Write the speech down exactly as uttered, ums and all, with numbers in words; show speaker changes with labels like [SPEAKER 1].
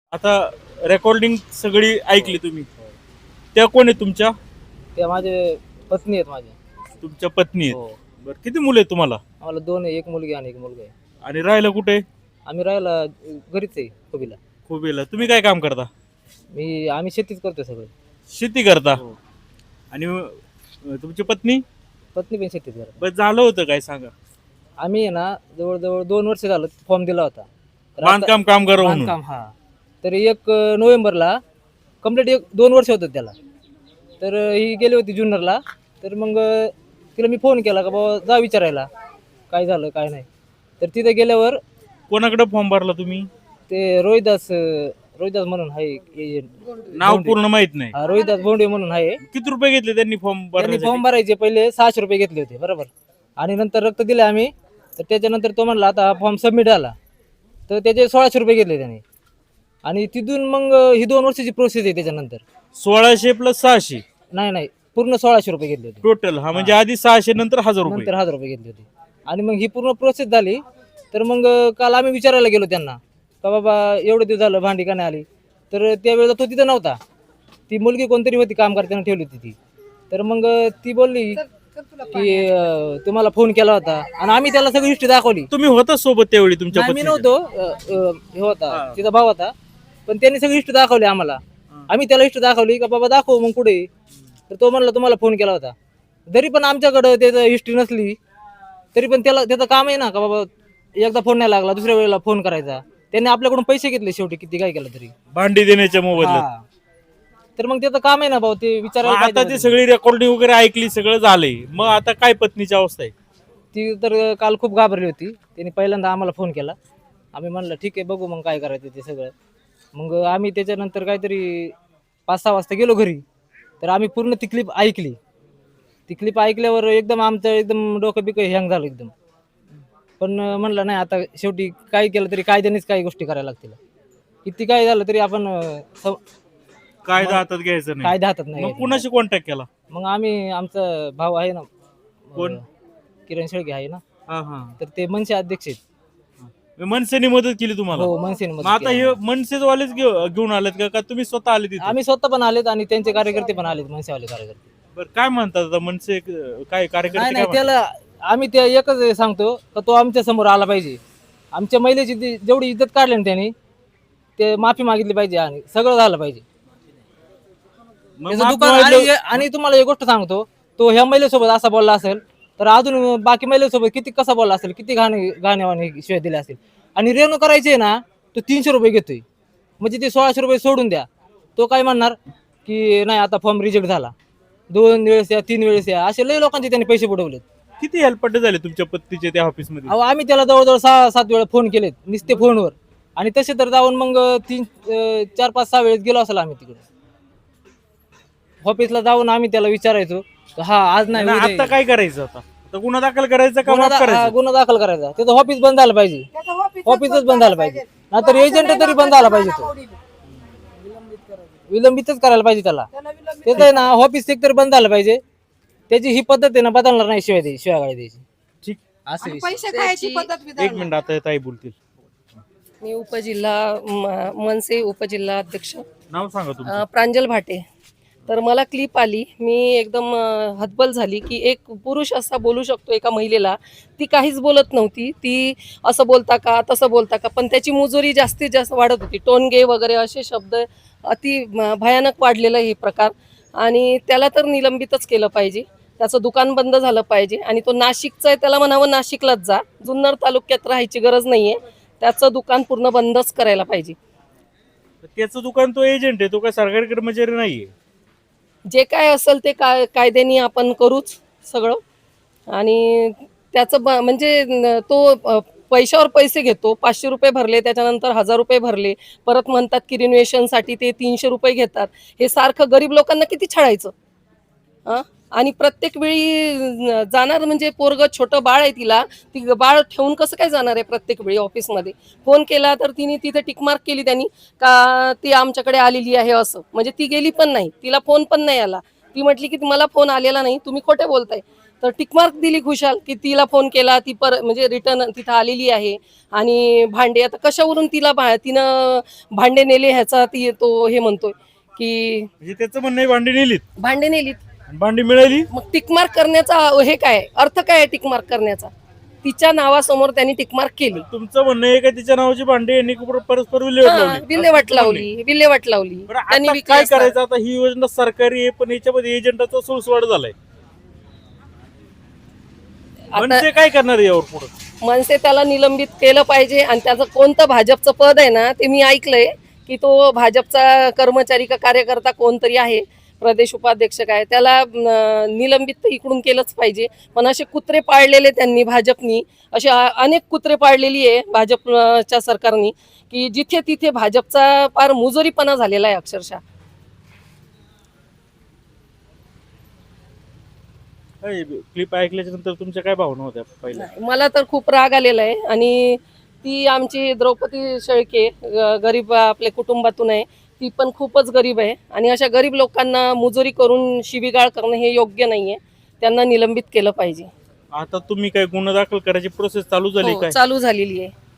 [SPEAKER 1] आता रेकॉर्डिंग सगळी ऐकली तुम्ही, त्या कोण आहे तुमच्या?
[SPEAKER 2] ते माझे पत्नी आहेत माझे.
[SPEAKER 1] तुमच्या पत्नी आहेत.
[SPEAKER 2] हो.
[SPEAKER 1] बरं, किती मुलं आहेत तुम्हाला?
[SPEAKER 2] आम्हाला दोन आहे, एक मुलगी आणि एक मुलगा आहे.
[SPEAKER 1] आणि राहायला कुठे?
[SPEAKER 2] आम्ही राहायला घरीच आहे खोबीला.
[SPEAKER 1] खोबेला. तुम्ही काय काम करता?
[SPEAKER 2] मी आम्ही शेतीच करतो सगळं.
[SPEAKER 1] शेती करता.
[SPEAKER 2] हो.
[SPEAKER 1] आणि अं, तुमची पत्नी?
[SPEAKER 2] पत्नी पण शेतीच करते.
[SPEAKER 1] बस झालं होतं काय सांगा?
[SPEAKER 2] आम्ही आहे ना जवळजवळ दोन वर्ष झालं फॉर्म दिला होता. तर आता-
[SPEAKER 1] बांधकाम कामगार म्हणून.
[SPEAKER 2] बांधकाम हा. तर एक अं, नोव्हेंबरला कम्प्लीट एक दोन वर्ष होतं त्याला. तर अं, ही गेली होती जुन्नरला. तर मग अं, तिला मी फोन केला का बाबा जा विचारायला काय झालं काय नाही. तर तिथे गेल्यावर
[SPEAKER 1] कोणाकडे फॉर्म भरला तुम्ही?
[SPEAKER 2] ते रोहिदास अं, रोहिदास म्हणून आहे एजंट.
[SPEAKER 1] नाव पूर्ण माहित नाही.
[SPEAKER 2] हा, रोहिदास भोंडे म्हणून आहे.
[SPEAKER 1] किती रुपये घेतले त्यांनी फॉर्म
[SPEAKER 2] त्यांनी
[SPEAKER 1] भरण्यासाठी?
[SPEAKER 2] फॉर्म भरायचे पहिले सहाशे रुपये घेतले होते बरोबर. आणि नंतर रक्त दिले आम्ही. तर त्याच्यानंतर तो म्हणला आता फॉर्म सबमिट झाला तर त्याचे सोळाशे रुपये घेतले त्याने. आणि तिथून मग अं, ही दोन वर्षाची प्रोसेस आहे त्याच्यानंतर.
[SPEAKER 1] सोळाशे प्लस सहाशे
[SPEAKER 2] नाही नाही पूर्ण सोळाशे रुपये घेतले होते.
[SPEAKER 1] टोटल. हा म्हणजे आधी सहाशे नंतर हजार रुपये.
[SPEAKER 2] नंतर हजार रुपये घेतले होते. आणि मग ही पूर्ण प्रोसेस झाली. तर मग अं, काल आम्ही विचारायला गेलो त्यांना का बाबा एवढं दिवस झालं भांडी का नाही आली. तर त्यावेळेला तो तिथं नव्हता. ती मुलगी कोणतरी होती काम करताना ठेवली होती ती. तर मग अं, ती बोलली की अं, तुम्हाला फोन केला होता. आणि आम्ही त्याला सगळी हिस्ट्री दाखवली.
[SPEAKER 1] तुम्ही होता सोबत त्यावेळी तुमच्या
[SPEAKER 2] नाही, मी
[SPEAKER 1] पत्नीच्या?
[SPEAKER 2] नव्हतो. अं, अं, हे होता
[SPEAKER 1] हा.
[SPEAKER 2] तिचा भाव होता. पण त्यांनी सगळी हिस्ट्री दाखवली आम्हाला. आम्ही त्याला हिस्ट्री दाखवली का बाबा दाखव मग पुढे. तर तो म्हणला तुम्हाला फोन केला होता. जरी पण आमच्याकडं त्याचं हिस्ट्री नसली तरी पण त्याला त्याचं काम आहे ना का बाबा एकदा फोन नाही लागला दुसऱ्या वेळेला फोन करायचा. त्यांनी आपल्याकडून पैसे घेतले शेवटी किती काय केलं तरी.
[SPEAKER 1] भांडी देण्याच्या मोबदल्यात.
[SPEAKER 2] हा. तर मग त्याचं काम आहे ना भाऊ ते
[SPEAKER 1] मग
[SPEAKER 2] विचारायला
[SPEAKER 1] आता
[SPEAKER 2] पाहिजे
[SPEAKER 1] ते
[SPEAKER 2] ना.
[SPEAKER 1] सगळी रेकॉर्डिंग वगैरे ऐकली, सगळं झालंय, मग आता काय पत्नीची अवस्था आहे?
[SPEAKER 2] ती तर काल खूप घाबरली होती. त्यांनी पहिल्यांदा आम्हाला फोन केला. आम्ही म्हणलं ठीक आहे बघू मग काय करायचं ते सगळं. मग आम्ही त्याच्यानंतर काहीतरी पाच सहा वाजता गेलो घरी. तर आम्ही पूर्ण ती क्लिप ऐकली. ती क्लिप ऐकल्यावर एकदम आमचं एकदम डोकं बिकं हँग झालं एकदम. पण म्हणलं नाही आता शेवटी काय केलं तरी कायद्यानेच काही गोष्टी करायला लागतील. किती काय झालं तरी आपण अं, सम-
[SPEAKER 1] कायदा हातात घ्यायचं नाही.
[SPEAKER 2] कायदा हातात नाही
[SPEAKER 1] मग
[SPEAKER 2] घ्यायचा.
[SPEAKER 1] कुणाशी कॉन्टॅक्ट केला?
[SPEAKER 2] मग आम्ही आमचा भाऊ आहे ना
[SPEAKER 1] कोण?
[SPEAKER 2] अं, किरण शेळके आहे ना.
[SPEAKER 1] हा हा.
[SPEAKER 2] तर ते मनसे अध्यक्ष आहेत.
[SPEAKER 1] मनसेने मदत केली तुम्हाला?
[SPEAKER 2] हो मनसेने
[SPEAKER 1] मग
[SPEAKER 2] मदत
[SPEAKER 1] आता
[SPEAKER 2] केली.
[SPEAKER 1] हे मनसेवालेच घेऊ- घेऊन आलेत का का तुम्ही स्वतः आले तिथे?
[SPEAKER 2] आम्ही स्वतः पण आलेत आणि त्यांचे कार्यकर्ते पण आलेत मनसेवाले कार्यकर्ते.
[SPEAKER 1] बरं, काय म्हणतात आता मनसे अं, काय कार्यकर्ते
[SPEAKER 2] नाही
[SPEAKER 1] काय
[SPEAKER 2] नाही त्याला आम्ही ते एकच सांगतो का तो आमच्या समोर आला पाहिजे. आमच्या महिलेची जी- जेवढी इज्जत काढली ना त्यांनी ते माफी मागितली पाहिजे आणि सगळं झालं पाहिजे.
[SPEAKER 1] म्हणतात? मग
[SPEAKER 2] त्याचं
[SPEAKER 1] माफ
[SPEAKER 2] दुकान
[SPEAKER 1] मागितलं-
[SPEAKER 2] आणि आणि तुम्हाला एक गोष्ट सांगतो तो ह्या महिलेसोबत असा बोलला असेल तर अजून बाकी महिलेसोबत किती कसा बोलला असेल किती घाणे घाणेवाने शिवाय दिले असेल. आणि रेणू करायचे ना तो तीनशे रुपये घेतोय म्हणजे ते सोळाशे रुपये सोडून द्या. तो काय म्हणणार की नाही आता फॉर्म रिजेक्ट झाला दोन वेळेस या तीन वेळेस या असे लय लोकांचे त्यांनी पैसे बुडवलेत.
[SPEAKER 1] किती हेल्पट झाले तुमच्या पत्नीचे त्या ऑफिस मध्ये?
[SPEAKER 2] अहो आम्ही त्याला जवळजवळ सहा सात वेळा फोन केलेत नुसते फोनवर. आणि तसे तर जाऊन मग तीन अं, चार पाच सहा वेळेस गेलो असेल आम्ही तिकडे ऑफिसला जाऊन आम्ही त्याला विचारायचो हा आज नाही
[SPEAKER 1] आणि
[SPEAKER 2] उद्या
[SPEAKER 1] आता
[SPEAKER 2] ये.
[SPEAKER 1] काय करायचं? आता आता गुन्हा दाखल करायचा का
[SPEAKER 2] गुन्हा
[SPEAKER 1] माफ
[SPEAKER 2] दा- हा,
[SPEAKER 1] करायचं?
[SPEAKER 2] गुन्हा दाखल करायचा त्याचं ऑफिस बंद झालं पाहिजे. ऑफिसच बंद झालं पाहिजे नाहीतर एजंट तरी बंद झाला पाहिजे. तो विलंबितच करायला पाहिजे त्याला. त्याचं आहे ना ऑफिस एक तरी बंद झालं पाहिजे. त्याची ही पद्धत आहे ना बदलणार नाही शिवाय द्यायची शिवाय गाडी द्यायची
[SPEAKER 1] ठीक.
[SPEAKER 2] असं विषय.
[SPEAKER 3] पैसे खायची पद्धत बी
[SPEAKER 1] एक मिनिट, आता ताई बोलतील.
[SPEAKER 3] मी उपजिल्हा म- मनसे उपजिल्हा अध्यक्ष
[SPEAKER 1] नाव सांगा तुमचं.
[SPEAKER 3] अ, प्रांजल भाटे. तर मला क्लिप आली मी एकदम अ, हतबल झाली की एक पुरुष असा बोलू शकतो एका महिलेला. ती काहीच बोलत नव्हती. ती असं बोलता का तसं बोलता का पण त्याची मुजोरी जास्तीत जास्त वाढत होती. टोनगे वगैरे असे शब्द अति म- भयानक वाढलेला हे प्रकार. आणि त्याला तर निलंबितच केलं पाहिजे. त्याचं दुकान बंद झालं पाहिजे. आणि तो नाशिकचा आहे त्याला म्हणावं नाशिकलाच जा. जुन्नर तालुक्यात राहायची गरज नाही आहे. त्याचं दुकान पूर्ण बंदच करायला पाहिजे.
[SPEAKER 1] त्याचं दुकान तो एजंट आहे, तो काय सरकारी कर्मचारी नाहीये.
[SPEAKER 3] जे काय असेल ते काय कायद्याने आपण करूच सगळं. आणि त्याचं ब म्हणजे न- तो अ, पैशावर पैसे घेतो. पाचशे रुपये भरले त्याच्यानंतर हजार रुपये भरले परत म्हणतात की रिनोव्हेशनसाठी ते तीनशे रुपये घेतात. हे सारखं गरीब लोकांना किती छळायचं हां. आणि प्रत्येक वेळी न- जाणार म्हणजे पोरगं छोटं बाळ आहे तिला ती बाळ ठेवून कसं काय जाणार आहे प्रत्येक वेळी ऑफिसमध्ये. फोन केला तर तिने तिथे टिकमार्क केली त्यांनी का ती आमच्याकडे आलेली आहे असं. म्हणजे ती गेली पण नाही तिला फोन पण नाही आला. ती म्हटली की मला फोन आलेला नाही तुम्ही खोटे बोलताय. तर टिकमार्क दिली खुशाल की तिला फोन केला, ती पर म्हणजे रिटर्न तिथं आलेली आहे आणि भांडे आता कशावरून तिला भा- तिनं भांडे नेले ह्याचा ती तो हे म्हणतोय की
[SPEAKER 1] म्हणजे त्याचं म्हणणं आहे भांडी नेलीत
[SPEAKER 3] भांडे नेलीत.
[SPEAKER 1] आणि भांडी मिळाली.
[SPEAKER 3] मग टिकमार्क करण्याचा हे काय अर्थ काय आहे टिकमार्क करण्याचा? तिच्या नावासमोर त्यांनी टिकमार्क केली.
[SPEAKER 1] तुमचं म्हणणं आहे का तिच्या नावाची भांडी यांनी परस्पर विल्हेवाट
[SPEAKER 3] हा,
[SPEAKER 1] लावली?
[SPEAKER 3] विल्हेवाट लावली विल्हेवाट लावली
[SPEAKER 1] बरं,
[SPEAKER 3] त्यांनी
[SPEAKER 1] आता
[SPEAKER 3] विकली
[SPEAKER 1] काय
[SPEAKER 3] असणार.
[SPEAKER 1] करायचं? आता ही योजना सरकारी आहे पण याच्यामध्ये एजंटाचा सुळसुळाट झालाय.
[SPEAKER 3] आता
[SPEAKER 1] म्हणजे काय करणार आहे यावर पुढे?
[SPEAKER 3] मनसे त्याला निलंबित केलं पाहिजे आणि त्याचं कोणतं भाजपचं पद आहे ना ते मी ऐकलंय की तो भाजपचा कर्मचारी का कार्यकर्ता कोणतरी आहे, प्रदेश उपाध्यक्ष काय, त्याला अं, निलंबित तर इकडून केलंच पाहिजे. पण असे कुत्रे पाळलेले त्यांनी भाजपनी, असे अ- अनेक कुत्रे पाळलेली आहे भाजपच्या सरकारनी की जिथे तिथे भाजपचा फार मुजोरीपणा झालेला आहे अक्षरशः.
[SPEAKER 1] क्लिप ऐकल्याच्या नंतर तुमच्या काय भावना होत्या पहिल्या?
[SPEAKER 3] नाही, मला तर खूप राग आलेला आहे. आणि ती आमची द्रौपदी शेळके ग- गरीब आपल्या कुटुंबातून आहे, ती पण खूपच गरीब आहे आणि अशा गरीब लोकांना मुजोरी करून शिवीगाळ करणं हे योग्य नाहीये. त्यांना निलंबित केलं पाहिजे.
[SPEAKER 1] आता तुम्ही काय गुन्हा दाखल करायची प्रोसेस चालू झाली
[SPEAKER 3] हो,
[SPEAKER 1] काय?
[SPEAKER 3] चालू झालेली आहे.